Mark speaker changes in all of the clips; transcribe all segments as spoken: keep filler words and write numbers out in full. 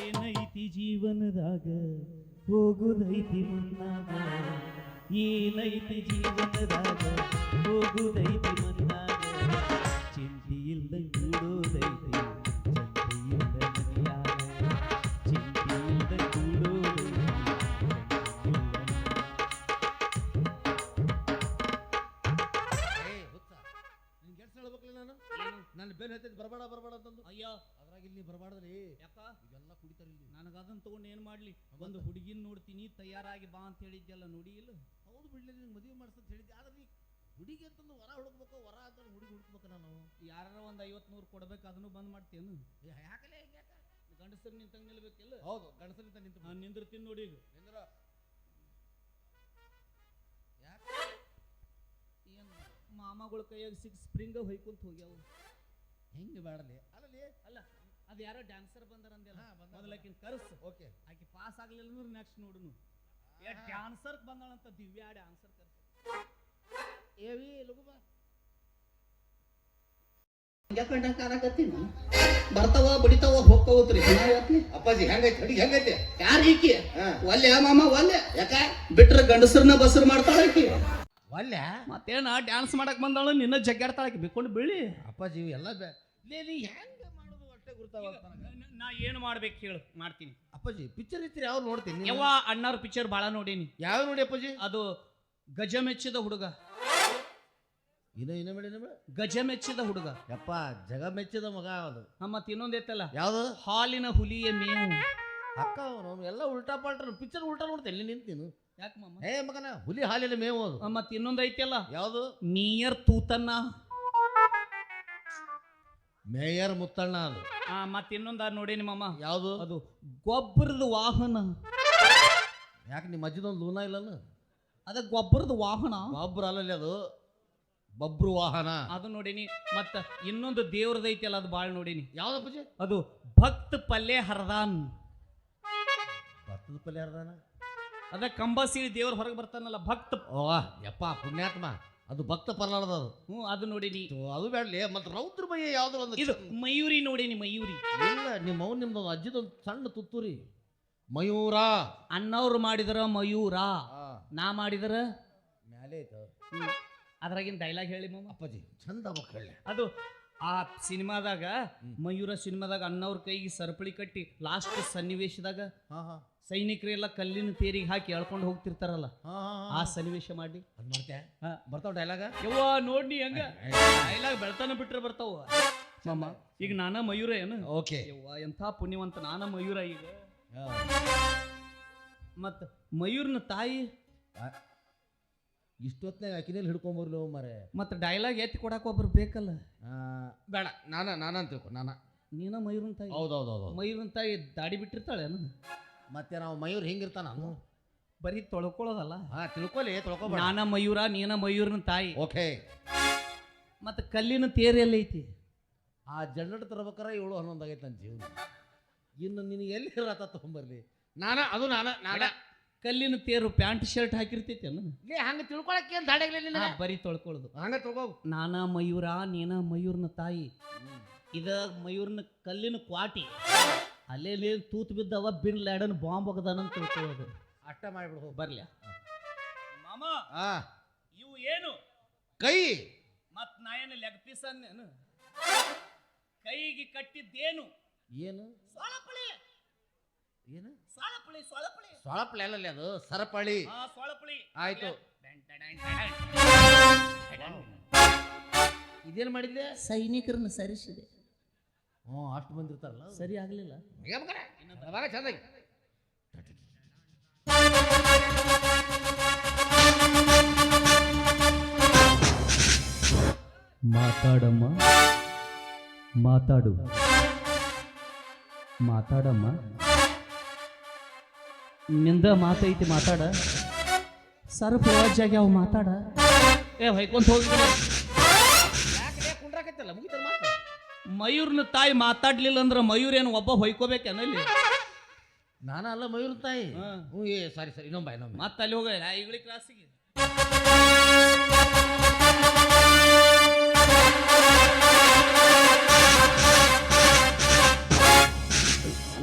Speaker 1: ಏನೈತಿ ಜೀವನದಾಗ ಹೋಗುದೈತಿ ಮನ್ನಾಗ ಏನೈತಿ ಜೀವನದಾಗ ಹೋಗುದೈತಿ ಮನ್ನಾಗ ಚಿಂತಿ ಇಲ್ದ ಕೂಡೋದೈತಿ ಚಿಂತಿ ಇಲ್ದ ಮನೆಯಾಗ ಚಿಂತಿ ಇಲ್ದ ಕೂಡೋದೈತಿ
Speaker 2: ನನ್ನ ಬೆನ್ ಹತ್ತಿದ್ ಬರಬೇಡ ಬರಬೇಡ ಅಂತಂದು
Speaker 1: ಅಯ್ಯೋ
Speaker 2: ಅದ್ರಾಗ ಇಲ್ಲಿ ಬರಬಾರ್ದ್ರಿ
Speaker 1: ಯಾಕ
Speaker 2: ಇದೆಲ್ಲ ಕುಡಿತಾರ ಇಲ್ಲಿ
Speaker 1: ನನಗೆ ಅದನ್ನ ತಗೊಂಡು ಏನು ಮಾಡ್ಲಿ ಒಂದು ಹುಡುಗಿನ ನೋಡ್ತೀನಿ ತಯಾರಾಗಿ ಬಾ ಅಂತ ಹೇಳಿದ್ಯಲ್ಲ ನೋಡಿ ಇಲ್ಲ
Speaker 2: ಹೌದು ಬಿಡ್ಲಿ ನಿಂಗೆ ಮದುವೆ ಮಾಡಿಸ್ತಂತ ಹೇಳಿದ್ದೆ ಆದ್ರೆ ನೀ ಹುಡುಗಿ ಅಂತಂದು ವರ ಹುಡುಕ್ಬೇಕು ವರ ಅಂತ ಹುಡುಗಿ ಹುಡುಕ್ಬೇಕು ನಾನು
Speaker 1: ಯಾರ ಒಂದು ಐವತ್ತು ನೂರು ಕೊಡ್ಬೇಕು ಅದನ್ನು ಬಂದ್ ಮಾಡ್ತೇನು
Speaker 2: ಯಾಕಲೇ ಯಾಕ
Speaker 1: ಗಂಡಸರು ನಿಂತಂಗೆ ನಿಲ್ಬೇಕಿಲ್ಲ
Speaker 2: ಹೌದು ಗಂಡಸರಿಂದ ನಿಂತು
Speaker 1: ನಾನು ನಿಂದಿರ್ತೀನಿ ನೋಡಿ ಈಗ
Speaker 2: ನಿಂದ್ರ ಯಾಕೆ
Speaker 1: ಏನು ಮಾಮಗಳ ಕೈಯಾಗ ಸಿಕ್ಸ್ ಸ್ಪ್ರಿಂಗ್ ಹೊಯ್ಕೊಂತ ಹೋಗ್ಯಾವ
Speaker 2: ಹೆಂಗೆ ಬೇಡಲಿ ಅಲ್ಲಲ್ಲಿ
Speaker 1: ಅಲ್ಲ ಅದು ಯಾರೋ ಡ್ಯಾನ್ಸರ್ ಬಂದಾರ ಅಂದೆಲ್ಲ ಮೊದಲಕಿನ ಕರ್ಸ್
Speaker 2: ಓಕೆ
Speaker 1: ಆಕೆ ಪಾಸ್ ಆಗ್ಲಿಲ್ಲ ಅಂದ್ರೆ ನೆಕ್ಸ್ಟ್ ನೋಡುನು ಏ ಡ್ಯಾನ್ಸರ್ ಬಂದಾಳಂತ ದಿವ್ಯಾ ಡ್ಯಾನ್ಸರ್ ಕರ್ಸ್
Speaker 2: ಏವಿ ಲಗುಬ
Speaker 3: ಕಂಡಂಗ ಕಾಣಕತ್ತೀನಿ ಬರ್ತಾವ ಬಡಿತಾವ ಹೋಗ್ತಾವತ್ರಿ
Speaker 2: ಅಪ್ಪಾಜಿ ಹೆಂಗೈತಿ ಅಡಿಗೆ ಹೆಂಗೈತಿ
Speaker 3: ಯಾರು ಈಕಿ
Speaker 2: ಹಾ.
Speaker 3: ಒಲ್ಲೆ ಮಾಮ ಒಲ್ಲೆ
Speaker 2: ಯಾಕ
Speaker 3: ಬಿಟ್ರ ಗಂಡಸರನ್ನ ಬಸರ್ ಮಾಡ್ತಾಳ ಈಕಿ
Speaker 2: ಒಲ್ಲೆ
Speaker 1: ಮತ್ತೇನ ಡ್ಯಾನ್ಸ್ ಮಾಡಕ್ ಬಂದಾಳು ನಿನ್ನ ಜಗ್ಗಾಡ್ತಾಳಕ್ಕೆ ಬಿಕ್ಕೊಂಡು ಬೀಳಿ
Speaker 2: ಅಪ್ಪಾಜಿ ಇವು ಎಲ್ಲ ಬೇ ಲೇ ನೀ ಹೆಂಗೆ ಮಾಡೋದು ಅಷ್ಟೇ ಗುರ್ತಾವ
Speaker 1: ನಾ ಏನು ಮಾಡ್ಬೇಕು ಹೇಳು ಮಾಡ್ತೀನಿ
Speaker 2: ಅಪ್ಪಾಜಿ ಪಿಕ್ಚರ್ ಇರ್ತೀರಿ ಯಾವ್ದು ನೋಡ್ತೀನಿ
Speaker 1: ಯವ್ವ ಅಣ್ಣವ್ರ ಪಿಕ್ಚರ್ ಭಾಳ ನೋಡೀನಿ
Speaker 2: ಯಾವ ನೋಡಿ ಅಪ್ಪಾಜಿ
Speaker 1: ಅದು ಗಜ ಮೆಚ್ಚಿದ ಹುಡುಗ
Speaker 2: ಇನ್ನ ಇನ್ನ ಬೇಡ ಇನ್ನ ಬೇಡ
Speaker 1: ಗಜ ಮೆಚ್ಚಿದ ಹುಡುಗ
Speaker 2: ಯಪ್ಪ ಜಗ ಮೆಚ್ಚಿದ ಮಗ ಅದು
Speaker 1: ಮತ್ ಇನ್ನೊಂದ್ ಐತಲ್ಲ
Speaker 2: ಯಾವ್ದು
Speaker 1: ಹಾಲಿನ ಹುಲಿಯ ಮೇವು
Speaker 2: ಅಕ್ಕ ಅವನು ಎಲ್ಲ ಉಲ್ಟಾ ಪಾಲ್ಟ ಪಿಕ್ಚರ್ ಉಲ್ಟಾ ನೋಡ್ತೇನೆ ಇಲ್ಲಿ ನಿಂತು ನೀನು
Speaker 1: ಯಾಕೆ ಮಾಮ
Speaker 2: ಏ ಮಗನ ಹುಲಿ ಹಾಲಿನ ಮೇವು ಅದು
Speaker 1: ಮತ್ ಇನ್ನೊಂದ್ ಐತಲ್ಲ
Speaker 2: ಯಾವುದು
Speaker 1: ನಿಯರ್ ತೂತನ್ನ
Speaker 2: ಮೇಯರ್ ಮುತ್ತಣ್ಣ ಅದು
Speaker 1: ಆ ಮತ್ ಇನ್ನೊಂದ್ ನೋಡೇನಿ ಮಾಮ
Speaker 2: ಯಾವುದು
Speaker 1: ಅದು ಗೊಬ್ಬರದ ವಾಹನ
Speaker 2: ಯಾಕೆ ನಿಮ್ಮ ಅಜ್ಜಿದೊಂದು ಲೂನ ಇಲ್ಲನು
Speaker 1: ಅದ ಗೊಬ್ಬರದ ವಾಹನ
Speaker 2: ಬಬ್ರು ಅಲ್ಲಲ್ಲಿ ಅದು ಬಬ್ರು ವಾಹನ
Speaker 1: ಅದು ನೋಡೀನಿ ಮತ್ತ ಇನ್ನೊಂದು ದೇವ್ರದ ಐತಲ್ಲ ಅದು ಬಾಳ್ ನೋಡೀನಿ
Speaker 2: ಯಾವ್ದಪ್ಪಾಜಿ
Speaker 1: ಅದು ಭಕ್ತ ಪಲ್ಲೆ ಹರದಾನ್
Speaker 2: ಭತ್ತದ ಪಲ್ಯ ಅರ್ದಾನ
Speaker 1: ಅದ ಕಂಬಸೀಳಿ ದೇವ್ರ ಹೊರಗೆ ಬರ್ತಾನಲ್ಲ ಭಕ್ತ
Speaker 2: ಓ ಯಪ್ಪ ಪುಣ್ಯಾತ್ಮ ಅದು ಭಕ್ತ ಪರ್ಲಾರ್ದ ಅದು
Speaker 1: ಹ್ಞೂ ಅದು ನೋಡೀನಿ
Speaker 2: ಅದು ಬೇಡಲಿ ಮತ್ತೆ ರೌದ್ರ ಬಯ್ಯ ಯಾವ್ದು ಒಂದು
Speaker 1: ಇದು ಮಯೂರಿ ನೋಡೀನಿ ಮಯೂರಿ
Speaker 2: ಇಲ್ಲ ನಿಮ್ಮ ಅವ್ನು ನಿಮ್ದು ಅಜ್ಜಿದೊಂದು ಸಣ್ಣ ತುತ್ತೂರಿ ಮಯೂರ
Speaker 1: ಅಣ್ಣವ್ರು ಮಾಡಿದ್ರ ಮಯೂರ ನಾ ಮಾಡಿದ್ರ
Speaker 2: ಮ್ಯಾಲೆ ಐತ
Speaker 1: ಅದ್ರಾಗಿನ ಡೈಲಾಗ್ ಹೇಳಿ ಮಾಮ
Speaker 2: ಅಪ್ಪಾಜಿ ಚಂದ ಮಕ್ಕಳ
Speaker 1: ಅದು ಆ ಸಿನಿಮಾದಾಗ ಮಯೂರ ಸಿನಿಮಾದಾಗ ಅಣ್ಣವ್ರ ಕೈಗೆ ಸರಪಳಿ ಕಟ್ಟಿ ಲಾಸ್ಟ್ ಸನ್ನಿವೇಶದಾಗ
Speaker 2: ಹಾ ಹಾ
Speaker 1: ಸೈನಿಕರೆಲ್ಲ ಕಲ್ಲಿನ ತೇರಿಗೆ ಹಾಕಿ ಎಳ್ಕೊಂಡು ಹೋಗ್ತಿರ್ತಾರಲ್ಲ
Speaker 2: ಹಾ
Speaker 1: ಆ ಸನ್ನಿವೇಶ ಮಾಡಿ
Speaker 2: ಅದು ಮಾಡ್ತೆ ಬರ್ತಾವ ಡೈಲಾಗ
Speaker 1: ಯವ್ವ ನೋಡ್ನಿ ಹಂಗ ಡೈಲಾಗ್ ಬೆಳ್ತಾನ ಬಿಟ್ರೆ ಬರ್ತಾವ ಮಾಮ ಈಗ ನಾನ ಮಯೂರ ಏನು
Speaker 2: ಓಕೆ
Speaker 1: ಯವ್ವ ಎಂಥ ಪುಣ್ಯವಂತ ನಾನ ಮಯೂರ ಈಗ ಮತ್ತ ಮಯೂರ್ನ ತಾಯಿ
Speaker 2: ಇಷ್ಟೊತ್ನಾಗ ಆಕಿನಲ್ಲಿ ಹಿಡ್ಕೊಂಬರ್ಲಿ ಮಾರೆ
Speaker 1: ಮತ್ತ ಡೈಲಾಗ್ ಎತ್ತಿ ಕೊಡಾಕ ಒಬ್ರು ಬೇಕಲ್ಲ
Speaker 2: ಬೇಡ ನಾನ ನಾನ ಅಂತ ತಿಳ್ಕೊ ನಾನ
Speaker 1: ನೀನ ಮಯೂರನ ತಾಯಿ
Speaker 2: ಹೌದೌದೌದು
Speaker 1: ಮಯೂರನ ತಾಯಿ ದಾಡಿ ಬಿಟ್ಟಿರ್ತಾಳೇನು
Speaker 2: ಮತ್ತೆ ನಾವು ಮಯೂರ್ ಹೆಂಗಿರ್ತಾನ ನಾನು
Speaker 1: ಬರೀ ತೊಳ್ಕೊಳ್ಳೋದಲ್ಲ
Speaker 2: ಹಾ ತಿಳ್ಕೊಲಿ ತಿಳ್ಕೊಬೇಡ
Speaker 1: ನಾನ ಮಯೂರ ನೀನ ಮಯೂರನ ತಾಯಿ
Speaker 2: ಓಕೆ
Speaker 1: ಮತ್ತ ಕಲ್ಲಿನ ತೇರು ಎಲ್ಲೈತಿ
Speaker 2: ಆ ಜನರೇಟ್ ತರ್ಬೇಕಾರ ಏಳು ಹನ್ನೊಂದು ಆಗೈತೆ ನನ್ನ ಜೀವನ ಇನ್ನು ನಿನಗೆ ಎಲ್ಲಿ ರಥ ತಗೊಂಬರ್ಲಿ ನಾನ ಅದು ನಾನ ನಾನ
Speaker 1: ಕಲ್ಲಿನ ತೇರು ಪ್ಯಾಂಟ್ ಶರ್ಟ್ ಹಾಕಿರ್ತೈತಿ ಅನ್ನ
Speaker 2: ಲೇ ಹಂಗೆ ತಿಳ್ಕೊಳಕ್ಕೆ ಏನು ದಾಡಿಗ್ಲಿ ನಿನಗೆ
Speaker 1: ಬರೀ ತೊಳ್ಕೊಳ್ಳೋದು
Speaker 2: ಹಂಗೆ ತಿಳ್ಕೊ
Speaker 1: ನಾನ ಮಯೂರ ನೀನ ಮಯೂರ್ನ ತಾಯಿ ಇದ ಮಯೂರ್ನ ಕಲ್ಲಿನ ಕ್ವಾಟಿ ಅಲ್ಲೇ ತೂತ್ ಬಿದ್ದವ ಬಿನ್ ಲ್ಯಾಡನ್ ಬಾಂಬ್ ಹೋಗದಾನಂತ ತಿಳ್ಕೊಳ್ಳೋದು
Speaker 2: ಅಷ್ಟ ಮಾಡಿಬಿಡು
Speaker 1: ಬರ್ಲ್ಯಾ ಮಾಮ
Speaker 2: ಆ
Speaker 1: ಇವು ಏನು
Speaker 2: ಕೈ
Speaker 1: ಮತ್ ನಾ ಏನು ಲೆಗ್ ಪೀಸ್ ಅನ್ನೇನು ಕೈಗೆ ಕಟ್ಟಿದ್ದೇನು
Speaker 2: ಏನು
Speaker 1: ಸೊಳಪಳಿ
Speaker 2: ಏನು
Speaker 1: ಸೊಳಪಳಿ ಸೊಳಪಳಿ
Speaker 2: ಸೊಳಪಳಿ ಅಲ್ಲಲ್ಲಿ ಅದು ಸರಪಳಿ
Speaker 1: ಹಾ ಸೊಳಪಳಿ
Speaker 2: ಆಯ್ತು ಇದೇನು ಮಾಡಿದ್ದೆ
Speaker 1: ಸೈನಿಕರನ್ನ ಸರಿಸಿದೆ
Speaker 2: ಹ್ಞೂ ಅಷ್ಟು ಬಂದಿರ್ತಾರಲ್ಲ
Speaker 1: ಸರಿ ಆಗ್ಲಿಲ್ಲ
Speaker 2: ಅವಾಗ ಚಂದಾಗಿ
Speaker 1: ಮಾತಾಡಮ್ಮ ಮಾತಾಡು ಮಾತಾಡಮ್ಮ ನಿಂದ ಮಾತೈತಿ ಮಾತಾಡ ಸರ್ಫ್ ಜಾಗ್ಯಾವ ಮಾತಾಡ ಏ ಹೊಯ್ಕೊಂತ ಹೋಗಿ
Speaker 2: ಕುಂಡ್ರಾಕೈತಲ್ಲ ಮುಗಿತಾರ ಮಾತು
Speaker 1: ಮಯೂರ್ನ ತಾಯಿ ಮಾತಾಡ್ಲಿಲ್ಲ ಅಂದ್ರೆ ಮಯೂರ್ ಏನು ಒಬ್ಬ ಹೊಯ್ಕೋಬೇಕೇನಲ್ಲಿ
Speaker 2: ನಾನ ಅಲ್ಲ ಮಯೂರ್ ತಾಯಿ ಹ್ಞೂ ಏ ಸಾರಿ ಸರಿ ಇನ್ನೊಂಬ ಇನ್ನೊಂಬ
Speaker 1: ಮತ್ತೆ ಅಲ್ಲಿ ಹೋಗ ಈಗಳಿ ಕ್ಲಾಸಿಗೆ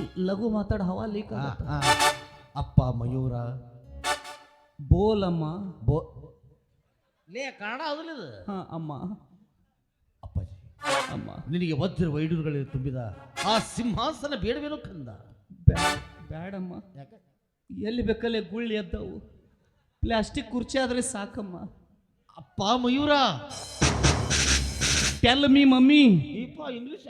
Speaker 1: ಲಘು ಮಾತಾಡ ಹವಾ ಲೀಕ್
Speaker 2: ಆ, ಆ. ಅಪ್ಪ ಮಯೂರ
Speaker 1: ಬೋಲಮ್ಮ
Speaker 2: ಬೋ ಲೇ ಕನ್ನಡ ಹೌದಿಲ್ಲ ಇದು
Speaker 1: ಹಾ ಅಮ್ಮ
Speaker 2: ಅಪ್ಪಾಜಿ
Speaker 1: ಅಮ್ಮ
Speaker 2: ನಿನಗೆ ವಜ್ರ ವೈಡೂರುಗಳಲ್ಲಿ ತುಂಬಿದ ಆ ಸಿಂಹಾಸನ ಬೇಡವೇನೋ ಕಂದ
Speaker 1: ಬ್ಯಾ- ಬ್ಯಾಡಮ್ಮ
Speaker 2: ಯಾಕೆ
Speaker 1: ಎಲ್ಲಿ ಬೇಕಲ್ಲೇ ಗುಳ್ಳಿ ಎದ್ದವು ಪ್ಲಾಸ್ಟಿಕ್ ಕುರ್ಚಿ ಆದ್ರೆ ಸಾಕಮ್ಮ.
Speaker 2: ಅಪ್ಪ ಮಯೂರ
Speaker 1: ಟೆಲ್ ಮೀ ಮಮ್ಮಿ.
Speaker 2: ಇಪ್ಪ ಇಂಗ್ಲಿಷ್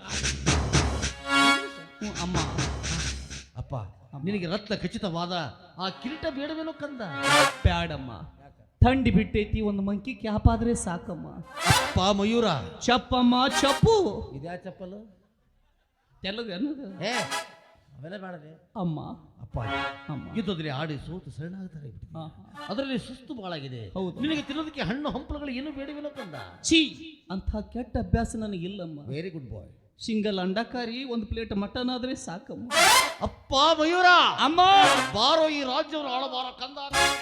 Speaker 1: ಹ್ಞೂ ಅಮ್ಮ.
Speaker 2: ಅಪ್ಪ ನಿನಗೆ ರತ್ನ ಖಚಿತವಾದ ಆ ಕಿರೀಟ ಬೇಡವೇನೋ ಕಂದ
Speaker 1: ಬ್ಯಾಡಮ್ಮ, ಥಂಡಿ ಬಿಟ್ಟೈತಿ, ಒಂದು ಮಂಕಿ ಕ್ಯಾಪ್ ಆದ್ರೆ ಸಾಕಮ್ಮ.
Speaker 2: ಅಪ್ಪ ಮಯೂರ
Speaker 1: ಚಪ್ಪಮ್ಮ ಚಪ್ಪು.
Speaker 2: ಇದ್ಯಾ ಚಪ್ಪಲು
Speaker 1: ತೆಲುಗು ಅನ್ನೋದು
Speaker 2: ಏ ಅವೆಲ್ಲ ಬೇಡವೆ
Speaker 1: ಅಮ್ಮ.
Speaker 2: ಅಪ್ಪ
Speaker 1: ಅಮ್ಮ
Speaker 2: ಯುದ್ಧದಲ್ಲಿ ಆಡಿ ಸೋತು ಶರಣಾಗ್ತಾರೆ
Speaker 1: ಹಾ,
Speaker 2: ಅದರಲ್ಲಿ ಸುಸ್ತು ಬಾಳಾಗಿದೆ.
Speaker 1: ಹೌದು.
Speaker 2: ನಿನಗೆ ತಿನ್ನೋದಕ್ಕೆ ಹಣ್ಣು ಹಂಪಲುಗಳು ಏನು ಬೇಡವೇನೋ ಕಂದ
Speaker 1: ಛೀ, ಅಂಥ ಕೆಟ್ಟ ಅಭ್ಯಾಸ ನನಗಿಲ್ಲಮ್ಮ.
Speaker 2: Very good boy.
Speaker 1: ಸಿಂಗಲ್ ಅಂಡಕಾರಿ ಒಂದು ಪ್ಲೇಟ್ ಮಟನ್ ಆದ್ರೆ ಸಾಕಮ್ಮ.
Speaker 2: ಅಪ್ಪ ಮಯೂರ
Speaker 1: ಅಮ್ಮ
Speaker 2: ಬಾರೋ ಈ ರಾಜ್ಯವನ್ನು ಆಳಬಾರ ಕಂದ.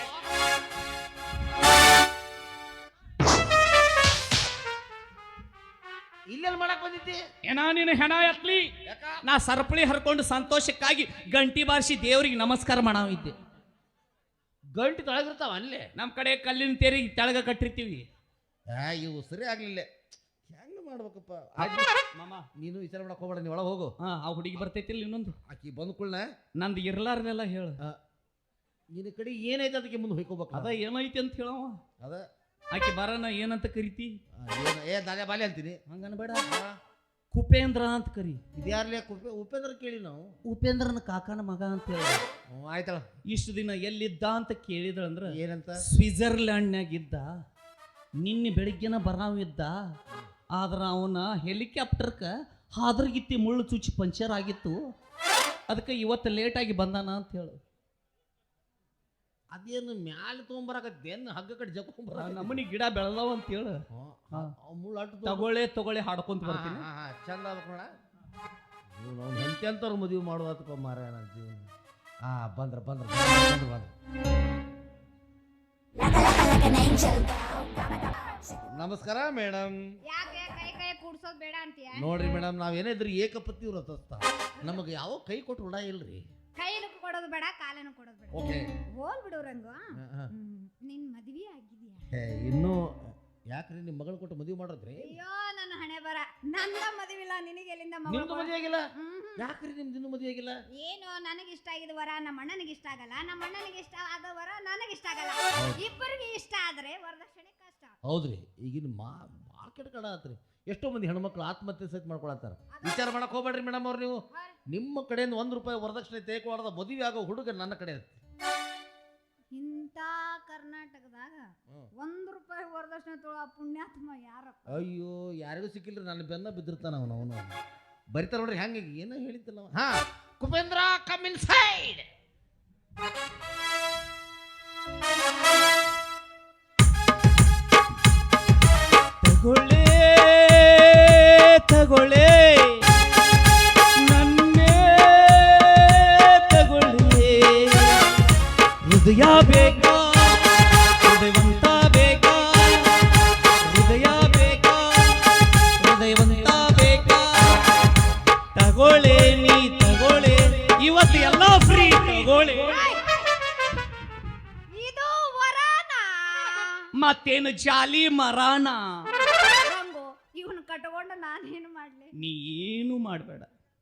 Speaker 2: ಇಲ್ಲೆಲ್ಲಿ ಮಾಡಕ್ ಬಂದಿದ್ದಿ?
Speaker 1: ಏನ ನೀನು ಹೆಣ ಎತ್ಲಿ, ನಾ ಸರಪಳಿ ಹರ್ಕೊಂಡು ಸಂತೋಷಕ್ಕಾಗಿ ಗಂಟಿ ಬಾರಿಸಿ ದೇವ್ರಿಗೆ ನಮಸ್ಕಾರ ಮಾಡಾವಿದ್ದೆ.
Speaker 2: ಗಂಟು ತೊಳಗಿರ್ತಾವ ಅಲ್ಲೇ.
Speaker 1: ನಮ್ಮ ಕಡೆ ಕಲ್ಲಿನ ತೇರಿ ತೆಳಗ ಕಟ್ಟಿರ್ತೀವಿ.
Speaker 2: ಆ ಇವು ಸರಿ ಆಗ್ಲಿಲ್ಲ. ಹೆಂಗ್ ಮಾಡ್ಬೇಕಪ್ಪ?
Speaker 1: ಮಾಮ
Speaker 2: ನೀನು ವಿಚಾರ ಮಾಡಕ್ ಹೋಗ್ಬೇಡ, ನೀ ಒಳಗೆ ಹೋಗು.
Speaker 1: ಹಾ, ಆ ಹುಡುಗಿ ಬರ್ತೈತಿಲ್ಲ ಇನ್ನೊಂದು,
Speaker 2: ಆಕಿ ಬಂದ್ ಕುಳ್ಳ
Speaker 1: ನಂದು ಇರ್ಲಾರ್ದೆಲ್ಲ ಹೇಳು.
Speaker 2: ನಿನ್ನ ಕಡೆ ಏನೈತೆ ಅದಕ್ಕೆ ಮುಂದೆ ಹೋಯ್ಕೋಬೇಕು.
Speaker 1: ಅದ ಏನೈತಿ ಅಂತ ಹೇಳವ.
Speaker 2: ಅದ
Speaker 1: ಆಕೆ ಬರನ ಏನಂತ ಕರಿತಿ?
Speaker 2: ಏನ ಏ ದಾಲೆ ಬಾಲೆ ಅಂತೀನಿ.
Speaker 1: ಹಂಗನ್ಬೇಡ, ಕುಪೇಂದ್ರ ಅಂತ ಕರಿ.
Speaker 2: ಇದ್ಯಾರ್ಲೆ ಕುಪೆ ಉಪೇಂದ್ರ ಕೇಳಿ ನಾವು.
Speaker 1: ಉಪೇಂದ್ರನ ಕಾಕನ ಮಗ ಅಂತ ಹೇಳಿ.
Speaker 2: ಹ್ಞೂ ಆಯ್ತಳ.
Speaker 1: ಇಷ್ಟು ದಿನ ಎಲ್ಲಿದ್ದ ಅಂತ ಕೇಳಿದ್ರಂದ್ರ
Speaker 2: ಏನಂತ?
Speaker 1: ಸ್ವಿಟ್ಜರ್ಲ್ಯಾಂಡ್ನಾಗ ಇದ್ದ. ನಿನ್ನೆ ಬೆಳಿಗ್ಗೆನ ಬರಾವಿದ್ದ, ಆದ್ರ ಅವನ ಹೆಲಿಕಾಪ್ಟರ್ಕ ಹಾದ್ರಗಿತ್ತಿ ಮುಳ್ಳು ಚುಚ್ಚಿ ಪಂಚರ್ ಆಗಿತ್ತು, ಅದಕ್ಕೆ ಇವತ್ತು ಲೇಟಾಗಿ ಬಂದಾನ ಅಂತ ಹೇಳು.
Speaker 2: ಅದೇನು ಮ್ಯಾಲೆ ತೊಗೊಂಬರಕತ್ತೇನು ಹಗ್ಗ ಕಡೆ ಜಕ್ಕೊಂಬರ
Speaker 1: ನಮ್ಮನಿ ಗಿಡ ಬೆಳೆದವ ಅಂತ ಹೇಳು.
Speaker 2: ಮುಳ್ಳು ಅಟ್ಟು
Speaker 1: ತಗೊಳ್ಳೆ ತಗೊಳ್ಳೆ ಹಾಡ್ಕೊಂತ ಬರ್ತೀನಿ.
Speaker 2: ಚಂದ ಆಗ್ಬೇಕು ನೋಡ. ಇವ್ನು ಅವ್ನು ಎಂತೆಂಥವ್ರು ಮದುವೆ ಮಾಡುವತ್ತಪ್ಪ ಮಾರ ನನ್ನ ಜೀವನ. ಹಾ ಬಂದ್ರ ಬಂದ್ರ ಬಂದ್ರ ಬಂದ್ರ ನಮಸ್ಕಾರ ಮೇಡಮ್.
Speaker 4: ಯಾಕೆ ಕೈ ಕೈ ಕೂಡ್ಸೋದ್ ಬೇಡ ಅಂತೀಯ?
Speaker 2: ನೋಡ್ರಿ ಮೇಡಮ್, ನಾವೇನಿದ್ರಿ ಏಕಪತಿ ವ್ರತಸ್ಥ, ನಮಗೆ ಯಾವ ಕೈ ಕೊಟ್ಟು ರೂಢ ಇಲ್ರಿ.
Speaker 4: ಕೈನೂ ಕೊಡೋದು ಬೇಡ, ಕಾಲನು ಕೊಡೋದು ಬೇಡ.
Speaker 2: ಓಕೆ
Speaker 4: ಹೋಲ್ ಬಿಡು ರಂಗು. ನಿನ್ ಮದ್ವಿ ಆಗಿದ್ಯಾ?
Speaker 2: ಇನ್ನೂ ಯಾಕ್ರಿ ನಿಮ್ಮ ಮಗಳು ಕೊಟ್ಟು ಮದುವೆ ಮಾಡೋದ್ರಿ?
Speaker 4: ಅಯ್ಯೋ ನನ್ನ ಹಣೆ ಬರ, ನನ್ನ ಮದುವೆ ಇಲ್ಲ, ನಿನಗೆ ಎಲ್ಲಿಂದ ಮಗಳು?
Speaker 2: ನಿಮ್ದು ಮದುವೆ ಆಗಿಲ್ಲ?
Speaker 4: ಹ್ಮ್.
Speaker 2: ಯಾಕ್ರಿ ನಿಮ್ದು ಇನ್ನೂ ಮದುವೆ ಆಗಿಲ್ಲ?
Speaker 4: ಏನು ನನಗೆ ಇಷ್ಟ ಆಗಿದ ವರ ನಮ್ಮ ಅಣ್ಣನಿಗೆ ಇಷ್ಟ ಆಗಲ್ಲ, ನಮ್ಮ ಅಣ್ಣನಿಗೆ ಇಷ್ಟ ಆದ ವರ ನನಗೆ ಇಷ್ಟ ಆಗಲ್ಲ. ಇಬ್ಬರಿಗೆ ಇಷ್ಟ ಆದ್ರೆ ವರದಕ್ಷಿಣೆ ಕಷ್ಟ.
Speaker 2: ಹೌದ್ರಿ, ಈಗಿನ ಮಾ ಮಾರ್ಕೆಟ್ ಕಡ ಆತ್ರಿ. ಎಷ್ಟೋ ಮಂದಿ ಹೆಣ್ಮಕ್ಳು ಆತ್ಮಹತ್ಯೆ ಸಹಿತ ಮಾಡ್ಕೊಳತ್ತಾರ. ವಿಚಾರ ಮಾಡಕ್ ಹೋಗ್ಬೇಡ್ರಿ ಮೇಡಮ್ ಅವ್ರು. ನೀವು ನಿಮ್ಮ ಕಡೆಯಿಂದ ಒಂದ್ ರೂಪಾಯಿ ವರದಕ್ಷಿಣೆ ತೆಗೆದುಕೊಳ್ಳದ ಮದುವೆ ಆಗೋ ಹುಡುಗ ನನ್ನ ಕಡೆ ಐತಿ.
Speaker 4: ಇಂಥ ಕರ್ನಾಟಕದಾಗ ಒಂದ್ ರೂಪಾಯಿ ವರದಕ್ಷಿಣೆ ತೊಗೊಳ್ಳೋ ಪುಣ್ಯಾತ್ಮ ಯಾರಪ್ಪ?
Speaker 2: ಅಯ್ಯೋ ಯಾರಿಗೂ ಸಿಕ್ಕಿಲ್ರಿ, ನನ್ನ ಬೆನ್ನ ಬಿದ್ದಿರ್ತಾನ ಅವನು. ಅವನು ಬರಿತಾರ ನೋಡ್ರಿ ಹೆಂಗೆ ಏನೋ ಹೇಳಿದ್ದಲ್ಲ. ಹಾ ಕುಪೇಂದ್ರ ಕಮ್ ಇನ್ ಸೈಡ್.
Speaker 1: ತಗೊಳ್ಳೆ ತಗೊಳ್ಳೆ ನನ್ನೇ ತಗೊಳ್ಳೆ, ಹೃದಯ ಬೇಕಾ ಹೃದಯವಂತ ಬೇಕಾ, ಹೃದಯ ಬೇಕಾ ಹೃದಯವಂತ ಬೇಕಾ, ತಗೊಳ್ಳೆ ನೀ ತಗೊಳ್ಳೆ, ಇವತ್ತು ಎಲ್ಲ ಫ್ರೀ ತಗೊಳ್ಳೆ.
Speaker 4: ಇದು ವರನಾ?
Speaker 1: ಮತ್ತೇನು ಜಾಲಿ ಮರಾಣ?
Speaker 4: ರಂಗು ಇವನ್ ಕಟ್ಕೊಂಡು ನಾನೇನು ಮಾಡ್ಲಿ?
Speaker 1: ನೀ ಏನು ಮಾಡಬೇಡ.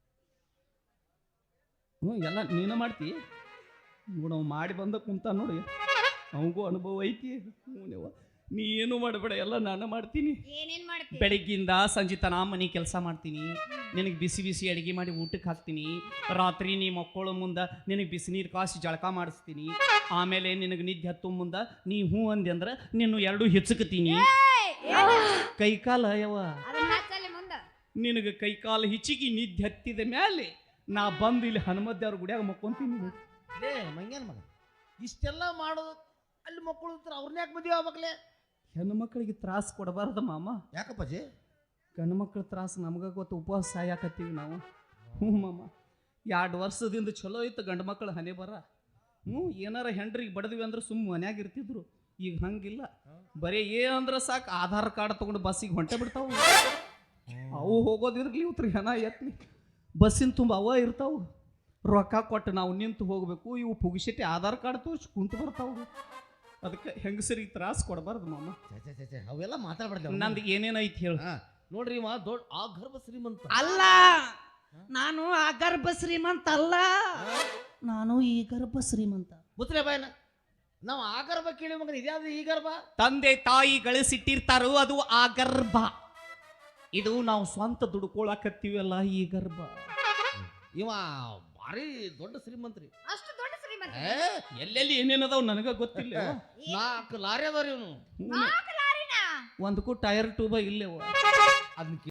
Speaker 1: ಹ್ಞೂ ಎಲ್ಲ ನೀನು ಮಾಡ್ತಿ ನೋಡು, ಅವ್ ಮಾಡಿ ಬಂದ ಕುಂತ ನೋಡಿ, ಅವನಿಗೂ ಅನುಭವ ಐತಿ. ಹ್ಞೂ ನೀ ಏನು ಮಾಡಬೇಡ, ಎಲ್ಲ ನಾನು ಮಾಡ್ತೀನಿ.
Speaker 4: ಏನೇನ್ ಮಾಡ್ತಿ?
Speaker 1: ಬೆಳಗ್ಗಿಂದ ಸಂಜೆ ತನ ಮನೆ ಕೆಲಸ ಮಾಡ್ತೀನಿ, ನಿನಗೆ ಬಿಸಿ ಬಿಸಿ ಅಡುಗೆ ಮಾಡಿ ಊಟಕ್ಕೆ ಹಾಕ್ತೀನಿ, ರಾತ್ರಿ ನೀ ಮಕ್ಕಳು ಮುಂದೆ ನಿನಗೆ ಬಿಸಿ ನೀರು ಕಾಸಿ ಜಳಕ ಮಾಡಿಸ್ತೀನಿ, ಆಮೇಲೆ ನಿನಗೆ ನಿದ್ದೆ ಹತ್ತು ಮುಂದೆ ನೀ ಹ್ಞೂ ಅಂದೆ ಅಂದ್ರೆ ನಿನ್ನ ಎರಡು ಹೆಚ್ಚಕತೀನಿ. ಕೈಕಾಲ ಯವ
Speaker 4: ಅದನ್ನ ಹಚ್ಚಲ್ಲಿ ಮುಂದ.
Speaker 1: ನಿನಗೆ ಕೈಕಾಲು ಹಿಚ್ಚಿಗೆ ನಿದ್ದೆ ಹತ್ತಿದ ಮೇಲೆ ನಾ ಬಂದು ಇಲ್ಲಿ ಹನುಮದ್ದೇವ್ರ ಗುಡಿಯಾಗ ಮಕ್ಕೊಂತೀನಿ.
Speaker 2: ಲೇ ಮಂಗ್ಯಾನ ಮಗ, ಇಷ್ಟೆಲ್ಲ ಮಾಡೋದು ಅಲ್ಲಿ ಮಕ್ಕಳು ಅವ್ರನ್ನ ಯಾಕೆ ಮದುವೆ ಆಗ್ಬೇಕಲೇ?
Speaker 1: ಹೆಣ್ಣು ಮಕ್ಕಳಿಗೆ ತ್ರಾಸ ಕೊಡಬಾರ್ದ ಮಾಮ.
Speaker 2: ಯಾಕಪ್ಪಾಜಿ?
Speaker 1: ಗಂಡು ಮಕ್ಕಳ ತ್ರಾಸ ನಮ್ಗೆ ಗೊತ್ತು, ಉಪವಾಸ ಸಾಯಾಕತ್ತೀವಿ ನಾವು. ಹ್ಞೂ ಮಾಮ, ಎರಡು ವರ್ಷದಿಂದ ಚಲೋ ಇತ್ತು ಗಂಡು ಮಕ್ಕಳು ಹನೆ ಬರ. ಹ್ಞೂ ಏನಾರ ಹೆಂಡ್ರಿಗೆ ಬಡದ್ವಿ ಅಂದ್ರೆ ಸುಮ್ಮ ಮನ್ಯಾಗ ಇರ್ತಿದ್ರು. ಈಗ ಹಂಗಿಲ್ಲ, ಬರೀ ಏನಂದ್ರೆ ಸಾಕು ಆಧಾರ್ ಕಾರ್ಡ್ ತೊಗೊಂಡು ಬಸ್ಸಿಗೆ ಹೊಂಟೆ ಬಿಡ್ತಾವು. ಅವು ಹೋಗೋದಿರ್ಲಿ, ಇವ್ರ ಹೆಣ ಎತ್ಲಿ, ಬಸ್ಸಿನ ತುಂಬ ಅವ ಇರ್ತಾವು. ರೊಕ್ಕ ಕೊಟ್ಟು ನಾವು ನಿಂತು ಹೋಗ್ಬೇಕು, ಇವು ಪುಗಿಸಿಟ್ಟು ಆಧಾರ್ ಕಾರ್ಡ್ ತೋರಿಸಿ ಕುಂತು ಬರ್ತಾವು. ಅದಕ್ಕೆ ಹೆಂಗಸರಿಗೆ ತ್ರಾಸ ಕೊಡಬಾರ್ದು ಮಾಮ.
Speaker 2: ಛೆ, ಛೆ, ಛೆ, ಛೆ, ಅವೆಲ್ಲ ಮಾತಾಡ್ಬಾರ್ದು.
Speaker 1: ನಂದು ಏನೇನೈತಿ ಹೇಳು.
Speaker 2: ಹಾ, ನೋಡ್ರಿ ಇವ ದೊಡ್ಡ ಆ ಗರ್ಭ ಶ್ರೀಮಂತ
Speaker 1: ಅಲ್ಲ, ನಾನು ಆ ಗರ್ಭ ಶ್ರೀಮಂತ ಅಲ್ಲ, ನಾನು ಈ ಗರ್ಭ ಶ್ರೀಮಂತ.
Speaker 2: ಮುತ್ರೆ ಬಾಯನ ನಾವು ಆ ಗರ್ಭ ಕೇಳಿ ಮಗನ ಇದ್ಯಾವ್ದು ಈ ಗರ್ಭ?
Speaker 1: ತಂದೆ ತಾಯಿ ಗಳಿಸಿಟ್ಟಿರ್ತಾರೋ ಅದು ಆ ಗರ್ಭ. ಇದು ನಾವು ಸ್ವಂತ ದುಡ್ಕೊಳಕತ್ತೀವಲ್ಲ ಈ ಗರ್ಭ.
Speaker 2: ಇವ ಭಾರಿ ದೊಡ್ಡ ಶ್ರೀಮಂತ್ರಿ.
Speaker 4: ಅಷ್ಟು ದೊಡ್ಡ ಶ್ರೀಮಂತ.
Speaker 2: ಏ,
Speaker 1: ಎಲ್ಲೆಲ್ಲಿ ಏನೇನದಾವ್ ನನಗ ಗೊತ್ತಿಲ್ಲ.
Speaker 2: ನಾಲ್ಕು ಲಾರಿ ಅದಾರ ಇವನು.
Speaker 4: ನಾಲ್ಕು ಲಾರಿನ
Speaker 1: ಒಂದಕ್ಕೂ ಟೈರ್ ಟ್ಯೂಬ ಇಲ್ಲೇವ.
Speaker 2: ಅದನ್ನ